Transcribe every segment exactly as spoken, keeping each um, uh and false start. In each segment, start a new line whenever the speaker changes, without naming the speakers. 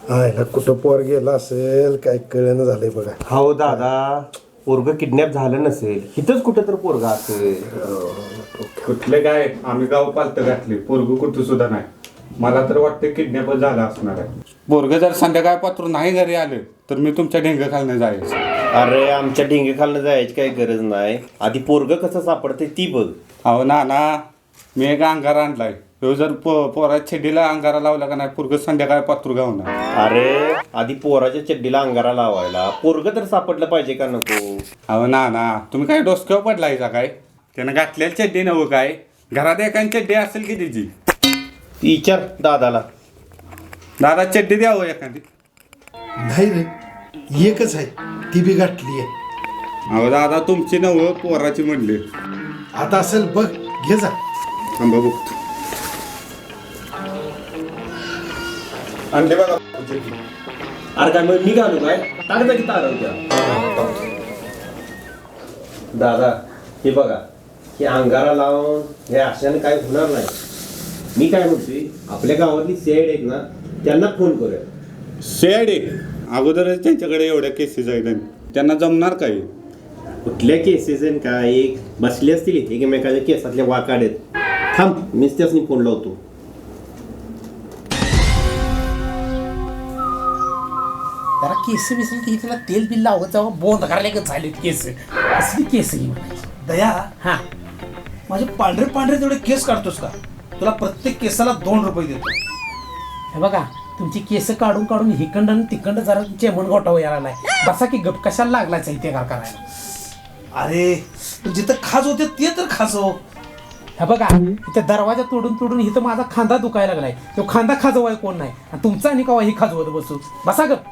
आयला कुठं पोर गेला असेल काय कळेना झालंय बघा.
हो दादा, पोरग किडनॅप झालं नसेल, इथंच कुठं तर पोरगा असेल.
कुठले काय आम्ही गाव पालत घातले, पोरग कुठं सुद्धा नाही. मला तर वाटतं किडनॅप झाला असणार आहे.
पोरग जर संध्याकाळ पात्र नाही घरी आलं तर मी तुमच्या ढेंग खालनं जायचं.
अरे आमच्या ढेंगे खालनं जायची काही गरज नाही, आधी पोरग कसं सापडते ती बघ.
अहो ना ना, मी एक अंगारा आणलाय. ह्यो जर पो पोराच्या छेडीला अंगारा लावला का नाही, पोरग संध्याकाळ पात्र गावणार.
अरे आधी पोराच्या चड्डीला अंगारा लावायला पोरग तर सापडलं पाहिजे का नको?
अहो ना ना, तुम्ही काय डोसक्यावर पडलाय का काय? त्यानं घातलेली चड्डी नव्ह काय? घरात एकाने चड्डी असेल की त्याची?
विचार दादाला.
दादा चड्डी द्यावं एखादी.
नाही रे, एकच आहे ती बी गाठली आहे.
अहो दादा तुमची नव्ह, पोराची म्हणले.
आता असेल बघ, घे जा.
थांबा बघतो.
आणले बघा. अरे काय मग मी घालू काय? टाकता की तारा उद्या. दादा हे बघा, हे अंगारा लावून हे अशाने काय होणार नाही. मी काय म्हणतोय, आपल्या गावातली सेड आहेत ना, त्यांना फोन करूया.
शेडे अगोदरच त्यांच्याकडे एवढ्या केसेस आहेत, त्यांना जमणार काय?
कुठल्या केसेस आहेत काय? एक बसले असतील इथे एकमेकाच्या केसातल्या वाकाड आहेत. थांब, मीच त्यासनी फोन लावतो.
जरा केस बिसली की तिला तेल बिल लावत जावं, बोंद करायला झाले केस. असली केस ही म्हणायची.
दया,
हा,
माझे पांढरे पांढरे तेवढे केस काढतोस का? तुला प्रत्येक केसाला दोन रुपये देतो.
हे बघा, तुमची केस काढून काढून हिकंड आणि तिकंड जरा चेमण गोटाव यायला लागलाय. बसा की गप, कशाला लागलाय इथे का करायला?
अरे तू जिथं खाज होते ते तर खाजव.
हे बघा, इथे दरवाजा तोडून तोडून इथं माझा खांदा दुखायला लागलाय. तो खांदा खाजवाय कोण नाही, आणि तुमचा आणि कवा ही खाजवत बसू. बसा गप.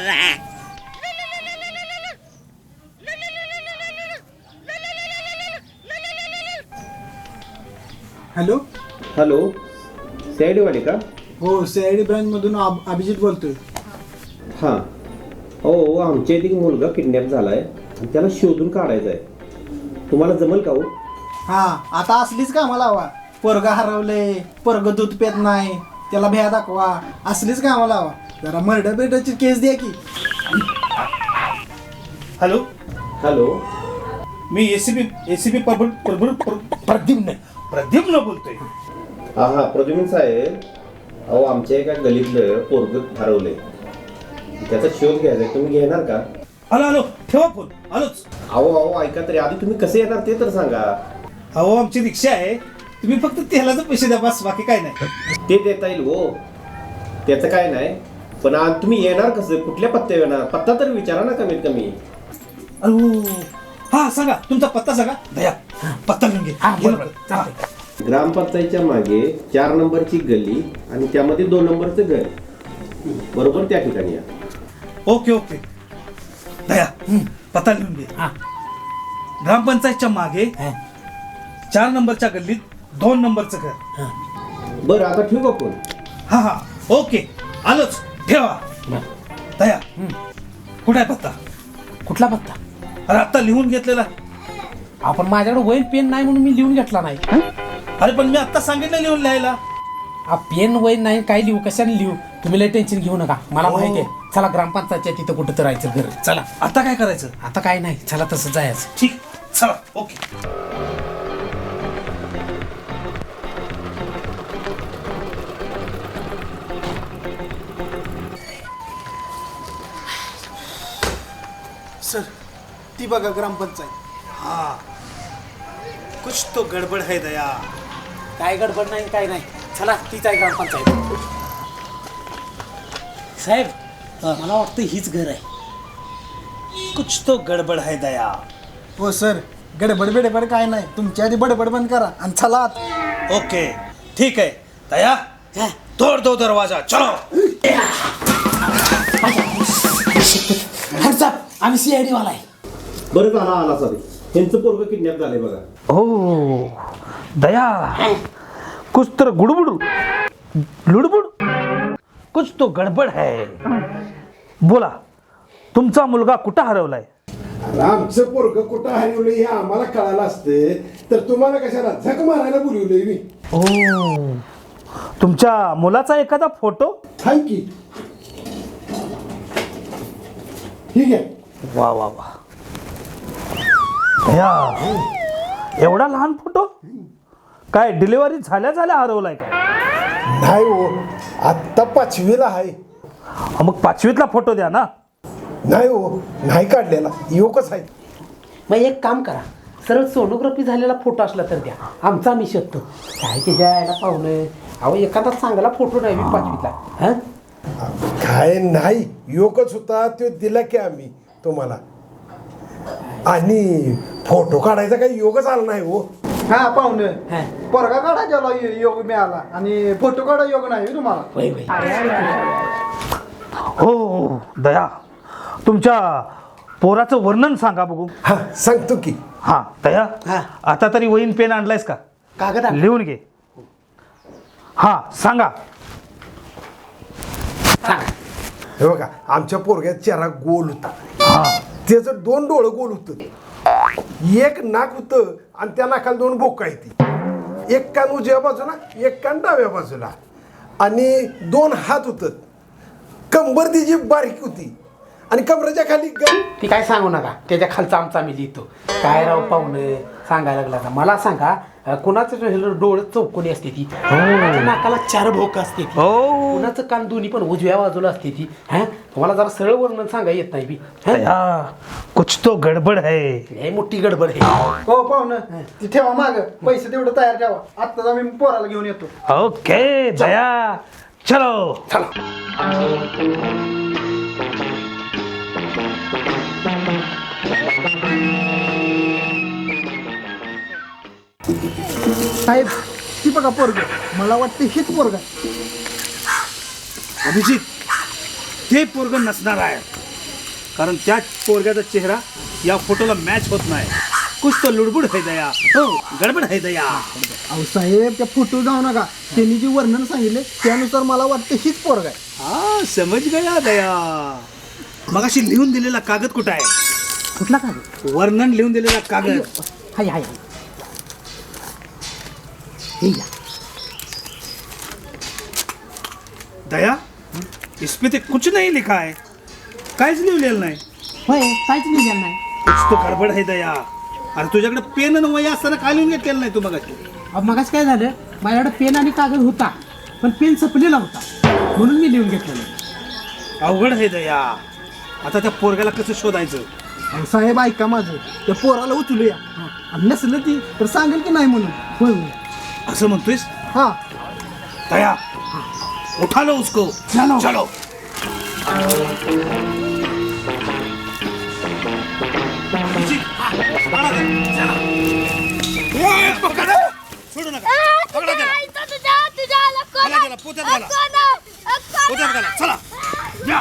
हॅलो.
हॅलो, सेडवाले का?
हो, सीआयडी ब्रांच मधून अब- अभिजित बोलतोय.
हां. हो, आमच्या इथे एक मुलगा किडनॅप झालाय आणि त्याला शोधून काढायचा आहे. तुम्हाला जमल का हो?
हा, आता असलीच का आम्हाला हवा? पोरगा हरवले, पोरग दूध पेत नाही, त्याला भ्या दाखवा, असलीच का आम्हाला हवा? जरा मर्डर बिर्डरची केस द्या की.
हॅलो,
हॅलो,
मी एसीबी एसीबी प्रभू प्रभू प्रद्युम्न प्रद्युम्न बोलतोय.
हा हा प्रद्युम्न साहेब, अहो आमच्या एका गलीतलं पोरग हरवलंय, त्याचा शोध घ्यायचा आहे. तुम्ही घेणार का?
हॅलो हॅलो, ठेवा फोन. आलोच.
अहो अहो ऐका तरी, आधी तुम्ही कसे येणार ते तर सांगा.
अहो आमची रिक्षा आहे, तुम्ही फक्त तेलाचे पैसे द्या, बस, बाकी काय नाही.
ते देता येईल हो, त्याचं काय नाही. पण आज तुम्ही येणार कसं, कुठल्या पत्त्यावर येणार? पत्ता तर विचारा ना कमीत कमी.
अहो, हा सांगा तुमचा पत्ता सांगा. दया, पत्ता लिहून घे.
हा,
घे
बरोबर.
लवकर.
चालतंय.
ग्रामपंचायतच्या मागे चार नंबरची गली आणि त्यामध्ये दोन नंबरचं घर, बरोबर त्या ठिकाणी या.
Okay okay. दया, पत्ता लिहून घे.
हा,
ग्रामपंचायतच्या मागे
हा.
चार नंबरच्या गल्लीत दोन नंबरचं घर.
बरं आता ठेवू का फोन?
हा हा, ओके, आलोच, ठेवा. दया, कुठे आहे पत्ता?
कुठला पत्ता?
अरे आता लिहून घेतलेला.
आपण माझ्याकडे वहीन पेन नाही म्हणून मी लिहून घेतला नाही.
अरे पण मी आता सांगितलं लिहून लिहायला.
हा, पेन वहीन नाही, काय लिहू, कशाने लिहू? तुम्ही लय टेन्शन घेऊ नका, मला
हो.
माहिती आहे. चला ग्रामपंचायतच्या तिथं कुठं तर राहायचं घर. चला,
आता काय करायचं?
आता काय नाही, चला तसं जायचं.
ठीक, चला, ओके.
सर, ती बघा ग्रामपंचायत.
हाँ, कुछ तो गडबड है दया.
काय गडबड नाही, काय नाही. चला, तीच आहे ग्रामपंचायत. साहेब, मला वाटतं हीच घर आहे.
कुछ तो गडबड है दया.
हो सर, गडबड बिडबड काय नाही, तुमच्या आधी बडबड बंद करा आणि चला आत.
ओके, ठीक है दया, तोड़ दो दरवाजा, चलो.
हर्षाप, आम्ही सीआयडी वाला आहे.
बरं झाला आला सॉरी, त्यांचं पोरग किडनॅप झालंय बघा.
ओ दया, कुछ तो गुड़बुड़ लुड़बुड़, कुछ तो गडबड है. बोला, तुमचा मुलगा कुठं हरवलाय?
आमचं पोरग कुठं हरवलं हे आम्हाला कळालं असते तर तुम्हाला कशाला झक मारायला बोलवलंय मी.
ओ, तुमच्या मुलाचा एखादा फोटो?
हाय की ठीक आहे.
वा वा वा या एवढा लहान फोटो काय डिलिव्हरी झाल्या झाल्या हरवलाय काय?
नाही हो, आत्ता पाचवीला आहे.
हा, मग पाचवीतला फोटो द्या ना.
नाही हो, नाही काढलेला, योगच आहे.
मग एक काम करा, सरळ सोनोग्राफी झालेला फोटो असला तर द्या, आमचा आम्ही शकतो. काय ते द्यायला पाहुणं, अहो एखादा चांगला फोटो नाही मी पाचवीतला. हा
काय नाही, योगच होता तो दिला की आम्ही तुम्हाला. आणि फोटो काढायचा काही योगच आला नाही हो.
हा पाहुणे
हा.
पोरगा काढा गेला योग मिळाला आणि फोटो काढा योग नाही तुम्हाला.
होय होय.
हो दया, तुमच्या पोराचं वर्णन सांगा बघू.
हा सांगतो की.
हा दया,
हा.
आता तरी वहीन पेन आणलायस का?
कागद आण.
लिहून घे. हा सांगा.
हे बघा, आमच्या पोरग्यात चेहरा गोल होता.
हा
त्याचं दोन डोळं गोल होतं, एक नाक होतं आणि त्या नाकाला दोन बोका येते. एक कान उजव्या बाजूला, एक कान डाव्या बाजूला, आणि दोन हात होतं. कंबर तिची बारीक होती आणि कमरेच्या खाली ग-
ती काय सांगू नका, त्याच्या खालचा आमचा आम्ही लिहितो. काय राव पाहुणं सांगायला लागला का? मला सांगा, अं, कुणाचं डोळं चौकोनी असते ती, कुणाच्या नाकाला चार भोक असते ती,
हो
कुणाचं कान दोन्ही पण उजव्या बाजूला असते ती. हा तुम्हाला जरा सरळ वर्णन सांगा येत नाही बी. हा?
दया, कुछ तो गडबड है.
लय मोठी गडबड आहे.
हो पाहुणं ती ठेवा माग, पैसे तेवढं तयार ठेवा, आत्ताच आम्ही पोराला घेऊन येतो.
ओके दया, चलो
चला.
साहेब ती बघा पोरग, मला वाटतं हेच पोरग.
अभिजित, ते पोरग नसणार आहे, कारण त्या पोरग्याचा चेहरा या फोटोला मॅच होत नाही. कुछ तो लुडबुड है दया, हो गडबड है दया.
अहो साहेब त्या फोटो जाऊ नका, त्यांनी जे वर्णन सांगितले त्यानुसार मला वाटतं हीच पोरग आहे.
हा समज गया दया. मगाशी लिहून दिलेला कागद कुठं आहे?
कुठला कागद?
वर्णन लिहून दिलेला कागद.
हाय हाय हाय. हे घ्या.
दया, इसमें तो कुछ नहीं लिखा है, काहीच लिहिलेलं नाही.
होय, काहीच लिहिलेलं नाही.
कुछ तो गडबड है दया. अरे तुझ्याकडे पेन आणि वही असताना काय लिहून घेतलेलं नाही तू मगाशी?
अहो मगाच काय झालं, माझ्याकडे पेन आणि कागद होता, पण पेन संपलेला होता, म्हणून मी लिहून घेतलं नाही.
अवघड आहे दया. आता त्या पोरग्याला कसं शोधायचं?
अहो साहेब ऐका माझं, त्या पोराला उचलूया, आणि नसलं ती तर सांगेल की नाही म्हणून.
होय होय.
असं म्हणतोयस?
हा
दया, उठा लो उसको. चलो चलो. सोडू नका. पकडा त्याला. घाला त्याला, पोत्यात घाला. पोत्यात घाला. चला या.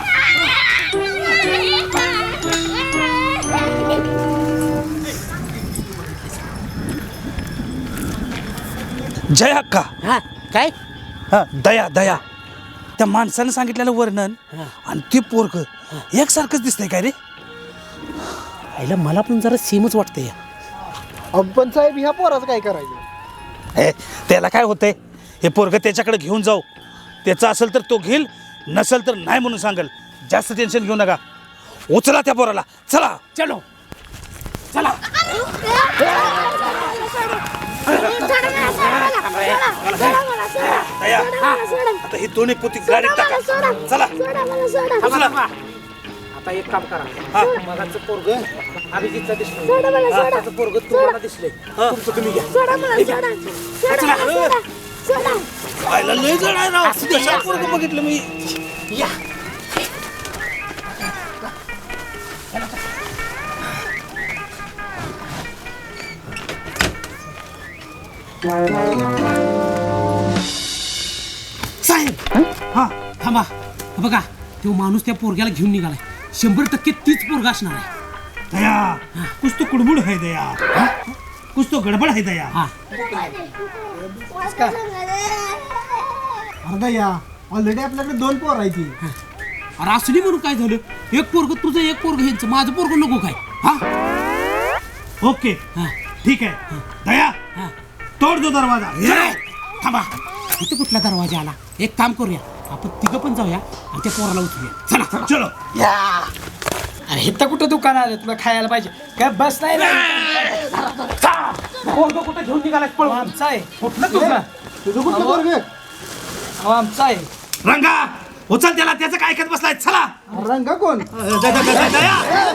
जय अक्का.
हा काय?
हा दया दया, त्या माणसानं सांगितलेलं वर्णन आणि ते पोरग एकसारखंच दिसतंय काय रे?
आईला मला पण जरा सेमच वाटतंय.
अहो, पण साहेब ह्या पोराचं काय करायचं?
हे त्याला काय होतंय? हे पोरग त्याच्याकडे घेऊन जाऊ, त्याचं असेल तर तो घेईल, नसेल तर नाही म्हणून सांगेल. जास्त टेन्शन घेऊ नका. उचला त्या पोराला. चला
चलो चला.
दया, आता ही दोन्ही पोती गाडीत टाका. चला उचला.
आता एक काम करा,
हा.
मगाचं पोरग अभिजितचा दिसलं, आताचं पोरग तुम्हाला दिसलंय, तुमचं तुम्ही घ्या.
आयला लय जड आहे राव. कशा पोरग बघितलं मी.
या. साहेब
हा
थांबा. बघा तो माणूस त्या पोरग्याला घेऊन निघालाय, शंभर टक्के तीच पोरगा असणार आहे.
दया, कुछ तो कुडबुड है दया. हा? कुछ तो गडबड है दया.
हा
अर्धा या ऑलरेडी आपल्याकडे दोन पोर आहे ती.
अरे असली म्हणून काय झालं, एक पोरग तुझं एक पोरग ह्यांचं, माझं पोरग नको काय? हा
ओके
हा
ठीक आहे. दया,
हा.
तोड दो दरवाजा.
चलो. थांबा, इथे कुठला दरवाजा आला? एक काम करूया, आपण तिघं पण जाऊया आणि त्या पोराला उचलूया. चला
चलो.
अरे इथं कुठं दुकान आलं तुला खायला पाहिजे काय बस नाही पोरगं कुठं घेऊन निघाला पळून आमचा आहे कुठलं तुझं
तुझं कुठलं पोरग
अहो आमचा आहे
रंगा उचल त्याला, त्याचं काय ऐकत बसलाय, चला.
रंगा कोण
द- द- द- द- दया.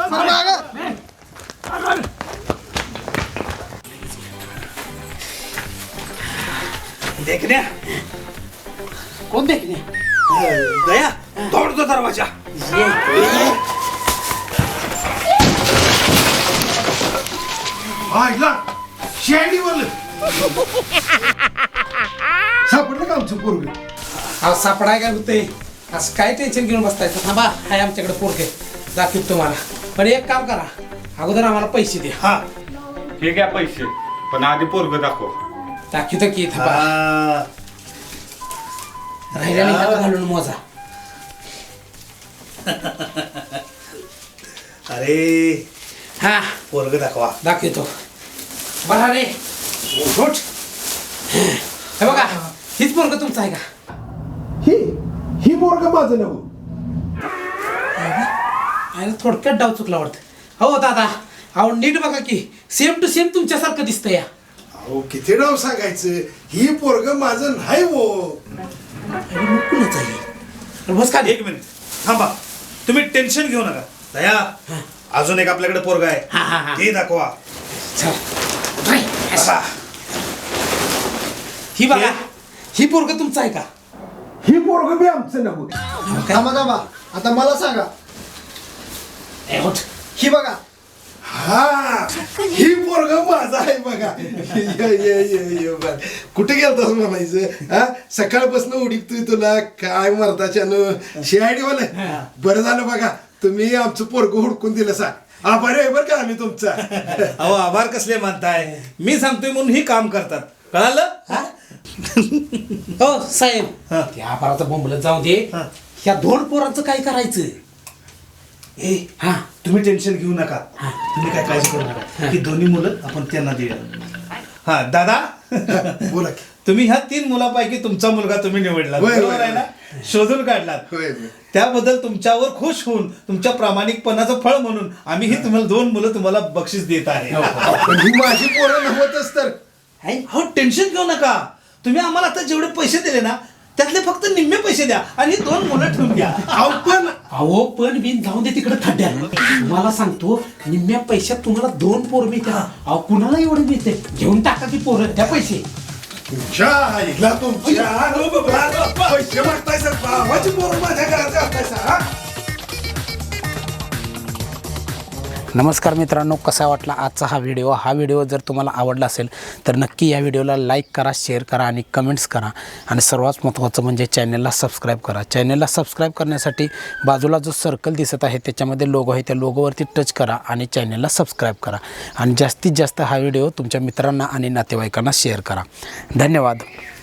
देखण्या
कोण देखणे
दया तोड तो दरवाजा.
ऐकला शेंडी बोल सापडलं का आमचं पोरग
अहो सापडाय काय होतंय असं काय टेन्शन घेऊन बसतायचं थांबा आहे आमच्याकडे पोरगे दाखवतो तुम्हाला पण एक काम करा अगोदर आम्हाला पैसे द्या
हा
हे घ्या पैसे, पण आधी पोरग दाखव.
दाखवतो की थांबा राहिल्या नाही हात घालून मोजा
अरे
हा
पोरग दाखवा.
दाखवतो बरा रे उठ हे बघा हीच पोरग तुमचं आहे का
ही ही पोरग माझं नव
आणि थोडक्यात डाव चुकला वाटतं हो दादा अहो नीट बघा की सेम टू सेम तुमच्यासारखं दिसतं या
अहो किती नाव सांगायचं ही पोरग माझं नाही हो
अरे मग कुणाच आहे बस का
एक मिनिट थांबा, तुम्ही टेन्शन घेऊ नका. दया अजून एक आपल्याकडे पोरगा
हा, हा, हा.
आहे, ते दाखवा.
चल नाही, असं.
बघा.
ही बघा ही पोरग तुमचं आहे का
ही पोरग बी आमचं नव
थांबा थांबा आता मला सांगा
ए, उठ.
ही बघा
हा ही पोरग माझं आहे बघा ये ये ये ये बघ. कुठे गेलतास म्हणायचं हा सकाळपासून उडीतोय तुला काय मरताच्यानं शिआयडी वाला बरं झालं बघा तुम्ही आमचं पोरग हुडकून दिलं सा आभारी आहे बरं का आम्ही तुमचा
अहो आभार कसले मानताय, मी सांगतोय म्हणून ही काम करतात, कळालं.
हो साहेब त्या आबाराचा बोंबलत जाऊ दे ह्या दोन पोरांचं काय करायचं
ए हा तुम्ही टेन्शन घेऊ नका, तुम्ही काय काळजी करू नका. ही दोन्ही मुलं आपण त्यांना देऊया. हा दादा
बोला की.
तुम्ही ह्या तीन मुलापैकी तुमचा मुलगा तुम्ही निवडला,
होय, होय,
बरोबर आहे ना, शोधून काढलात.
होय, होय.
त्याबद्दल तुमच्यावर खुश होऊन तुमच्या प्रामाणिकपणाचं फळ म्हणून आम्ही ही तुम्हाला दोन मुलं तुम्हाला बक्षीस देत आहे.
पण ही माझी पोरं नव्हतच तर
हो टेन्शन घेऊ नका, तुम्ही आम्हाला आता जेवढे पैसे दिले ना त्यातले फक्त निम्मे पैसे द्या आणि ही दोन मुलं ठेवून घ्या.
अहो पण
अहो पण बिन जाऊन दे तिकडे खड्ड्यानं तुम्हाला सांगतो निम्म्या पैशात तुम्हाला दोन पोर मिळतात अहो कुणाला एवढे मिळते घेऊन टाका की पोरं त्या पैसे
तुमच्या आईला तुमच्या पैसे मागताय सर भावाची पोरं माझ्या घरात घालताय सर हा
नमस्कार मित्रांनो, कसा वाटला आजचा हा व्हिडिओ हा व्हिडिओ जर तुम्हाला आवडला असेल तर नक्की या व्हिडिओला लाईक करा, शेअर करा आणि कमेंट्स करा आणि सर्वात महत्त्वाचं म्हणजे चॅनलला सबस्क्राईब करा. चॅनलला सबस्क्राईब करण्यासाठी बाजूला जो सर्कल दिसत आहे त्याच्यामध्ये लोगो आहे त्या लोगोवरती टच करा आणि चॅनलला सबस्क्राईब करा आणि जास्तीत जास्त हा व्हिडिओ तुमच्या मित्रांना आणि नातेवाईकांना शेअर करा. धन्यवाद.